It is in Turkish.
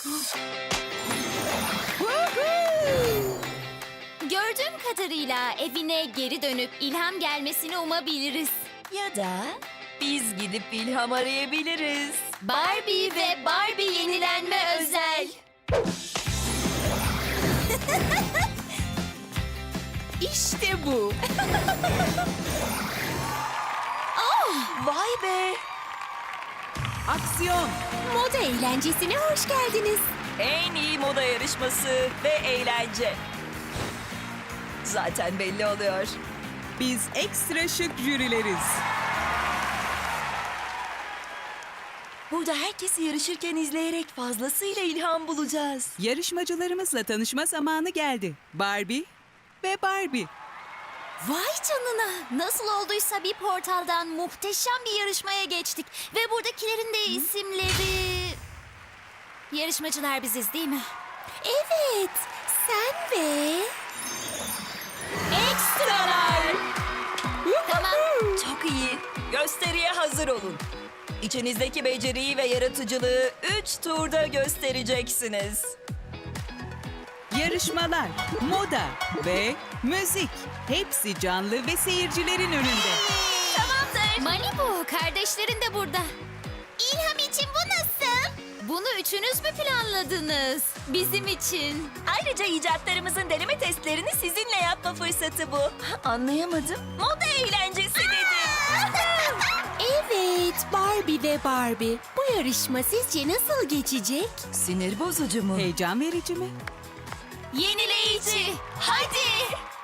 Gördüğüm kadarıyla evine geri dönüp ilham gelmesini umabiliriz. Ya da biz gidip ilham arayabiliriz. Barbie ve Barbie yenilenme özel. İşte bu. Vay be. Aksiyon! Moda eğlencesine hoş geldiniz. En iyi moda yarışması ve eğlence. Zaten belli oluyor. Biz ekstra şık jürileriz. Burada herkesi yarışırken izleyerek fazlasıyla ilham bulacağız. Yarışmacılarımızla tanışma zamanı geldi. Barbie ve Barbie. Vay canına. Nasıl olduysa bir portaldan muhteşem bir yarışmaya geçtik. Ve buradakilerin de isimleri... Yarışmacılar biziz değil mi? Evet. Sen ve... Ekstralar. Tamam. Çok iyi. Gösteriye hazır olun. İçinizdeki beceriyi ve yaratıcılığı 3 turda göstereceksiniz. Yarışmalar, moda ve müzik. Hepsi canlı ve seyircilerin önünde. Tamamdır. Malibu, kardeşlerin de burada. İlham için bu nasıl? Bunu üçünüz mü planladınız? Bizim için. Ayrıca icatlarımızın deneme testlerini sizinle yapma fırsatı bu. Anlayamadım. Moda eğlencesi dedim. Evet, Barbie ve Barbie. Bu yarışma sizce nasıl geçecek? Sinir bozucu mu? Heyecan verici mi? Yenileyici. Hadi.